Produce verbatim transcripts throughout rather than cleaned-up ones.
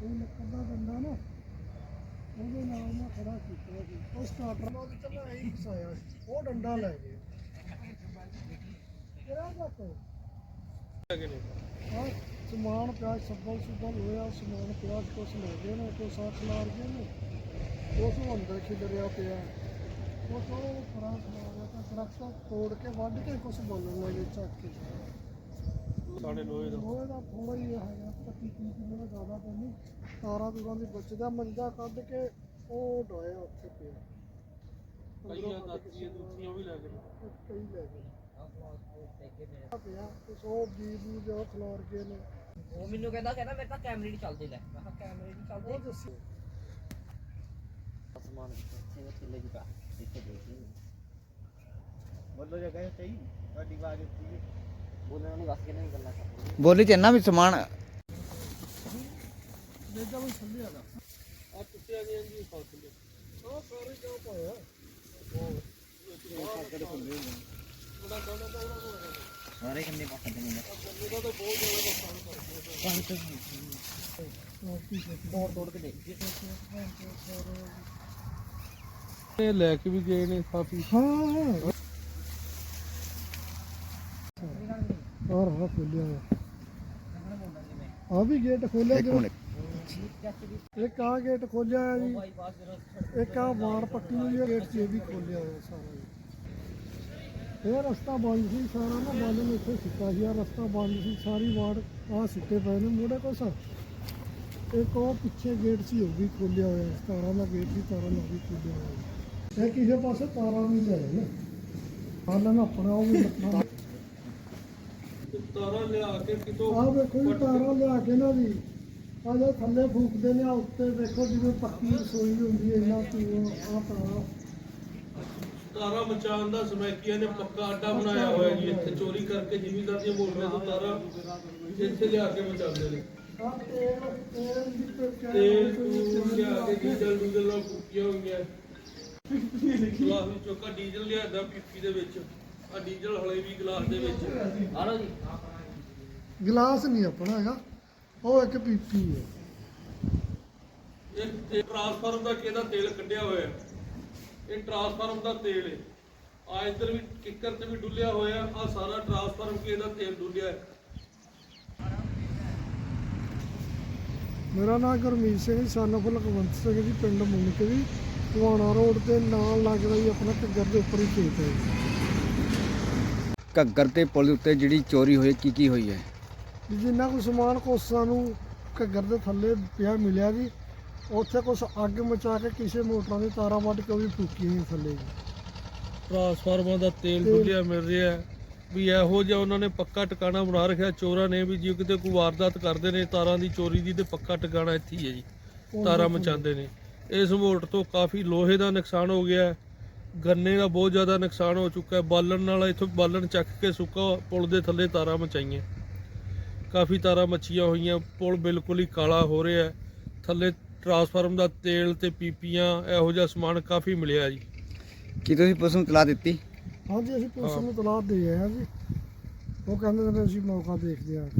ਕੋਈ ਲੱਕੜ ਦਾ ਡੰਡਾ ਨਾ ਉਹਦੇ ਨਾਲ ਮੈਂ ਖੜਾ ਕੀਤਾ ਸੀ। ਉਹ ਸਟਾਰਟਰ ਨਾਲ ਤੇ ਚੱਲਾ ਐਂ ਫਸਾਇਆ ਸੀ, ਉਹ ਡੰਡਾ ਲੈ ਗਏ। ਕਿਹੜਾ ਜੱਟ ਹਾਂ ਸਮਾਨ ਪਿਆ ਸੱਬਲ ਸੁੱਬਲ ਹੋਇਆ, ਸਮਾਨ ਪਿਆ ਕੁਛ ਲੈ ਗਏ ਨੇ, ਕੁਛ ਆ ਖਿਲਾਰ ਗਏ ਨੇ, ਉਸ ਨੂੰ ਅੰਦਰ ਖਿਲਰਿਆ ਪਿਆ, ਕੁਛ ਉਹ ਪਰਾਂ ਖਿਲਾਰਿਆ ਤਾਂ ਦਰਖਤ ਤੋੜ ਕੇ ਵੱਢ ਕੇ ਕੁਛ ਬੋਲਣ ਲੱਗੇ ਚੱਕ ਕੇ। ਸਾਡੇ ਲੋਹੇ ਦਾ ਲੋਹੇ ਦਾ ਥੋੜਾ ਹੀ ਹੈਗਾ, ਪੱਚੀ ਤੀਹ ਕਿਲੋ ਦਾ ਜ਼ਿਆਦਾ ਤਾਂ ਨਹੀਂ। ਤਾਰਾਂ ਤੂਰਾਂ ਦੀ ਬਚਦਾ ਮੰਜਾ ਕੱਢ ਕੇ ਉਹ ਡੋਇਆ ਉੱਥੇ ਪਿਆ। ਕਈਆਂ ਦਾਤੀਆਂ ਦੂਤੀਆਂ ਵੀ ਲੈ ਗਏ, ਕਈ ਲੈ ਗਏ ਪਿਆ ਕੁਛ ਉਹ ਬੀਜ ਬੂਜ ਉਹ ਖਿਲਾਰ ਗਏ ਨੇ। ਉਹ ਮੈਨੂੰ ਕਹਿੰਦਾ ਕਹਿੰਦਾ ਮੇਰੇ ਤਾਂ ਕੈਮਰੇ ਨਹੀਂ ਚੱਲਦੇ। ਲੈ ਮੈਂ ਕਿਹਾ ਕੈਮਰੇ ਨਹੀਂ ਚੱਲਦੇ। ਉਹ ਦੱਸੀ ਆਸਮਾਨ ਕਿੱਥੇ ਥੱਲੇ ਦੀ ਪਾ ਇੱਥੇ ਦੇਖ ਲਈ ਬੋਲੋ ਜਗ੍ਹਾ ਸਹੀ ਤੁਹਾਡੀ ਆਵਾਜ਼ ਉੱਚੀ ਹੈ। ਬੋਲਣ ਨੂੰ ਦੱਸ ਕੇ ਨਹੀਂ ਗੱਲਾਂ ਕਰ ਬੋਲੀ ਚ ਇੰਨਾ ਵੀ ਸਮਾਨ ਮੇਜਾ ਵੀ ਥੱਲੇ ਆਦਾ ਆ ਟੁੱਟਿਆ ਗਿਆ ਜੀ ਫਾਸਲੇ ਉਹ ਸਾਰੇ ਕਿਉਂ ਪਾਇਆ ਉਹ ਸਾਡੇ ਖੁੱਲੇ ਨੇ ਬੜਾ ਦੋਨਾਂ ਦਾ ਉਹਨਾਂ ਨੂੰ ਸਾਰੇ ਕੰਨੇ ਪੱਟ ਦੇ ਨੇ ਉਹਦਾ ਤਾਂ ਬਹੁਤ ਜ਼ਿਆਦਾ ਨੁਕਸਾਨ ਕਰ ਦਿੱਤਾ। ਤੋੜ ਤੋੜ ਕੇ ਦੇਖ ਇਹ ਲੈ ਕੇ ਵੀ ਗਏ ਨੇ ਕਾਫੀ। ਹਾਂ ਔਰ ਹਾਂ ਖੋਲਿਆ ਆ ਵੀ ਗੇਟ ਖੋਲਿਆ ਇੱਕ ਜੋ ਮਿੰਟ ਇੱਕ ਆ ਗੇਟ ਖੋਲਿਆ ਹੈ ਜੀ, ਇੱਕ ਆ ਵਾਰ ਪੱਟੀ ਹੋਈ ਹੈ ਗੇਟ 'ਚ ਇਹ ਵੀ ਖੋਲਿਆ ਹੋਇਆ ਸਾਰਾ ਜੀ। ਇਹ ਰਸਤਾ ਬੰਦ ਸੀ ਸਾਰਾ ਨਾ, ਬੰਦ ਨੂੰ ਇੱਥੇ ਸਿੱਟਾ ਸੀ, ਆ ਰਸਤਾ ਬੰਦ ਸੀ ਸਾਰੀ ਵਾਰ ਆ ਸਿੱਟੇ ਪਏ ਨੇ ਮੋੜੇ ਕੋਸ। ਇੱਕ ਉਹ ਪਿੱਛੇ ਗੇਟ ਸੀ ਉਹ ਵੀ ਖੋਲਿਆ ਹੋਇਆ, ਤਾਰਾਂ ਦਾ ਗੇਟ ਸੀ, ਤਾਰਾਂ ਨਾਲ ਵੀ ਖੋਲਿਆ ਹੋਇਆ। ਇਹ ਕਿਸੇ ਪਾਸੇ ਤਾਰਾਂ ਵੀ ਲੈ ਨਾ ਹਾਲਾਂ ਆਪਣਾ ਉਹ ਵੀ ਲੱਗਾ। ਤਾਰਾਂ ਲਿਆ ਕੇ ਕਿਤੋਂ ਆਹ ਵੇਖੋ ਜੀ ਤਾਰਾਂ ਲਿਆ ਕੇ ਨਾ ਜੀ ਆਹ ਜੋ ਥੱਲੇ ਫੂਕਦੇ ਨੇ, ਆ ਉੱਤੇ ਵੇਖੋ ਜਿਵੇਂ ਪੱਕੀ ਰਸੋਈ ਹੁੰਦੀ ਹੈ ਇਹਨਾਂ ਤੋਂ ਆਹ ਤਾਰਾਂ ਤਾਰਾਂ ਬਚਾਉਣ ਦਾ ਸਮੈਕੀਆਂ ਨੇ ਪੱਕਾ ਅੱਡਾ ਬਣਾਇਆ ਹੋਇਆ ਜੀ। ਇੱਥੇ ਚੋਰੀ ਕਰਕੇ ਜ਼ਿਮੀਂਦਾਰ ਦੀਆਂ ਮੋਟਰਾਂ ਤੋਂ ਤਾਰਾਂ ਇੱਥੇ ਲਿਆ ਕੇ ਬਚਾਉਂਦੇ ਨੇ। ਆਹ ਤੇਲ ਤੇਲ ਦੀ ਪੈਕੇਟ ਤੇਲ ਤੂਲ ਲਿਆ ਕੇ ਡੀਜ਼ਲ ਡੂਜ਼ਲ ਨਾਲ ਫੂਕੀਆਂ ਹੋਈਆਂ। ਗਲਾਸ ਵਿੱਚ ਚੋਕਾ ਡੀਜ਼ਲ ਲਿਆਦਾ ਪੀਪੀ ਦੇ ਵਿੱਚ, ਆ ਡੀਜ਼ਲ ਹਲੇ ਵੀ ਗਲਾਸ ਦੇ ਵਿੱਚ। ਆ ਲਓ ਜੀ ਗਲਾਸ ਨਹੀਂ ਆਪਣਾ ਹੈਗਾ, ਉਹ ਇੱਕ ਪੀਪੀ ਹੈ। ਇਹ ਤੇ ਟਰਾਂਸਫਾਰਮ ਦਾ ਕਿਹਦਾ ਤੇਲ ਕੱਢਿਆ ਹੋਇਆ, ਇਹ ਟਰਾਂਸਫਾਰਮ ਦਾ ਤੇਲ ਹੈ। ਆ ਇੱਧਰ ਵੀ ਕਿੱਕਰ ਤੇ ਵੀ ਡੁੱਲਿਆ ਹੋਇਆ, ਆ ਸਾਰਾ ਟਰਾਂਸਫਾਰਮ ਕਿਹਦਾ ਤੇਲ ਡੁੱਲਿਆ ਹੈ। ਮੇਰਾ ਨਾਮ ਗੁਰਮੀਤ ਸਿੰਘ ਸਨ ਆਫ ਲਖਵੰਤ ਸਿੰਘ ਜੀ, ਪਿੰਡ ਮੁੰਨਕਵੀ ਟਵਾਣਾ ਰੋਡ ਤੇ ਨਾਲ ਲੱਗਦਾ ਜੀ ਆਪਣਾ ਘੱਗਰ ਦੇ ਉੱਪਰ ਹੀ ਖੇਤ ਹੈ ਜੀ। ਘੱਗਰ ਤੇ ਪੁਲ ਦੇ ਉੱਤੇ ਜਿਹੜੀ ਚੋਰੀ ਹੋਈ ਕੀ ਕੀ ਹੋਈ ਹੈ? ਵੀ ਜਿੰਨਾ ਕੁ ਸਮਾਨ ਕੋਸਾਂ ਨੂੰ ਘੱਗਰ ਦੇ ਥੱਲੇ ਪਿਆ ਮਿਲਿਆ ਜੀ, ਉੱਥੇ ਕੁਛ ਅੱਗ ਮਚਾ ਕੇ ਕਿਸੇ ਮੋਟਰਾਂ ਦੀ ਤਾਰਾਂ ਵੱਢ ਕੇ ਉਹ ਵੀ ਫੂਕੀ ਸੀ ਥੱਲੇ ਜੀ। ਟਰਾਂਸਫਾਰਮਾਂ ਦਾ ਤੇਲ ਡੁੱਲਿਆ ਮਿਲ ਰਿਹਾ ਹੈ ਵੀ ਇਹੋ ਜਿਹਾ ਉਹਨਾਂ ਨੇ ਪੱਕਾ ਟਿਕਾਣਾ ਬਣਾ ਰੱਖਿਆ ਚੋਰਾਂ ਨੇ ਵੀ ਜੇ ਕਿਤੇ ਕੋਈ ਵਾਰਦਾਤ ਕਰਦੇ ਨੇ ਤਾਰਾਂ ਦੀ ਚੋਰੀ ਦੀ ਤੇ ਪੱਕਾ ਟਿਕਾਣਾ ਇੱਥੇ ਹੀ ਹੈ ਜੀ, ਤਾਰਾਂ ਮਚਾਉਂਦੇ ਨੇ। ਇਸ ਮੋਟ ਤੋਂ ਕਾਫੀ ਲੋਹੇ ਦਾ ਨੁਕਸਾਨ ਹੋ ਗਿਆ ਹੈ, ਗੰਨੇ ਦਾ ਬਹੁਤ ਜ਼ਿਆਦਾ ਨੁਕਸਾਨ ਹੋ ਚੁੱਕਾ ਹੈ। ਬਾਲਣ ਨਾਲ ਇੱਥੋਂ ਬਾਲਣ ਚੱਕ ਕੇ ਸੁੱਕਾ ਪੁਲ ਦੇ ਥੱਲੇ ਤਾਰਾਂ ਮਚਾਈਆਂ, ਕਾਫੀ ਤਾਰਾਂ ਮੱਚੀਆਂ ਹੋਈਆਂ। ਪੁਲ ਬਿਲਕੁਲ ਹੀ ਕਾਲਾ ਹੋ ਰਿਹਾ, ਥੱਲੇ ਟਰਾਂਸਫਾਰਮ ਦਾ ਤੇਲ ਤੇ ਪੀਪੀਆਂ ਇਹੋ ਜਿਹਾ ਸਮਾਨ ਕਾਫੀ ਮਿਲਿਆ ਜੀ। ਕੀ ਤੁਸੀਂ ਪੁਲਿਸ ਨੂੰ ਇਤਲਾਹ ਦਿੱਤੀ? ਹਾਂਜੀ ਅਸੀਂ ਪੁਲਿਸ ਨੂੰ ਤਲਾਹ ਦੇ ਆਏ ਹਾਂ ਜੀ, ਉਹ ਕਹਿੰਦੇ ਨੇ ਅਸੀਂ ਮੌਕਾ ਦੇਖਦੇ ਹਾਂ।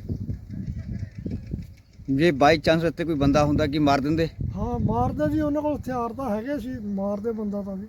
ਜੇ ਬਾਈ ਚਾਂਸ ਉੱਤੇ ਕੋਈ ਬੰਦਾ ਹੁੰਦਾ ਕੀ ਮਾਰ ਦਿੰਦੇ? ਹਾਂ ਮਾਰਦੇ ਜੀ, ਉਹਨਾਂ ਕੋਲ ਹਥਿਆਰ ਤਾਂ ਹੈਗੇ ਸੀ, ਮਾਰਦੇ ਬੰਦਾ ਤਾਂ ਜੀ।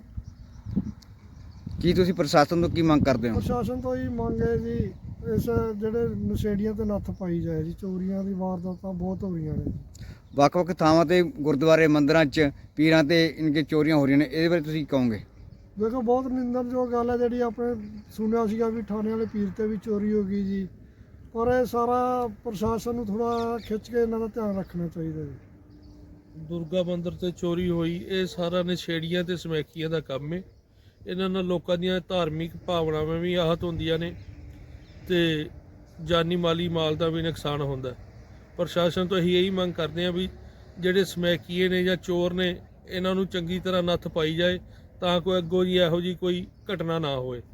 ਕੀ ਤੁਸੀਂ ਪ੍ਰਸ਼ਾਸਨ ਤੋਂ ਕੀ ਮੰਗ ਕਰਦੇ ਹੋ? ਪ੍ਰਸ਼ਾਸਨ ਤੋਂ ਹੀ ਮੰਗ ਹੈ ਜੀ, ਇਸ ਜਿਹੜੇ ਨਸ਼ੇੜੀਆਂ ਤੇ ਨੱਥ ਪਾਈ ਜਾਏ ਜੀ। ਚੋਰੀਆਂ ਦੀ ਵਾਰਦਾਤਾਂ ਬਹੁਤ ਹੋ ਰਹੀਆਂ ਨੇ ਜੀ। ਵੱਖ-ਵੱਖ ਥਾਵਾਂ ਤੇ ਗੁਰਦੁਆਰੇ ਮੰਦਿਰਾਂ 'ਚ ਪੀਰਾਂ ਤੇ ਇਨਕੇ ਚੋਰੀਆਂ ਹੋ ਰਹੀਆਂ ਨੇ, ਇਹਦੇ ਬਾਰੇ ਤੁਸੀਂ ਕਹੋਗੇ? ਦੇਖੋ ਬਹੁਤ ਨਿੰਦਣਯੋਗ ਗੱਲ ਹੈ ਜਿਹੜੀ ਆਪਣੇ ਸੁਣਿਆ ਸੀਗਾ ਵੀ ਥਾਣੇ ਵਾਲੇ ਪੀਰ ਤੇ ਵੀ ਚੋਰੀ ਹੋ ਗਈ ਜੀ, ਪਰ ਇਹ ਸਾਰਾ ਪ੍ਰਸ਼ਾਸਨ ਨੂੰ ਥੋੜਾ ਖਿੱਚ ਕੇ ਇਹਨਾਂ ਦਾ ਧਿਆਨ ਰੱਖਣਾ ਚਾਹੀਦਾ ਜੀ। ਦੁਰਗਾ ਮੰਦਿਰ ਤੇ ਚੋਰੀ ਹੋਈ, ਇਹ ਸਾਰਾ ਨਸ਼ੇੜੀਆਂ ਤੇ ਸਮੈਕੀਆਂ ਦਾ ਕੰਮ ਹੈ। ਇਹਨਾਂ ਨਾਲ ਲੋਕਾਂ ਦੀਆਂ ਧਾਰਮਿਕ ਭਾਵਨਾਵਾਂ ਵੀ ਆਹਤ ਹੁੰਦੀਆਂ ਨੇ ਤੇ ਜਾਨੀ ਮਾਲੀ ਮਾਲ ਦਾ ਵੀ ਨੁਕਸਾਨ ਹੁੰਦਾ। ਪ੍ਰਸ਼ਾਸਨ ਤੋਂ ਅਸੀਂ ਇਹੀ ਮੰਗ ਕਰਦੇ ਹਾਂ ਵੀ ਜਿਹੜੇ ਸਮੈਕੀਏ ਨੇ ਜਾਂ ਚੋਰ ਨੇ ਇਹਨਾਂ ਨੂੰ ਚੰਗੀ ਤਰ੍ਹਾਂ ਨੱਥ ਪਾਈ ਜਾਏ ਤਾਂ ਕੋਈ ਅੱਗੋਂ ਜੀ ਇਹੋ ਜਿਹੀ ਕੋਈ ਘਟਨਾ ਨਾ ਹੋਵੇ।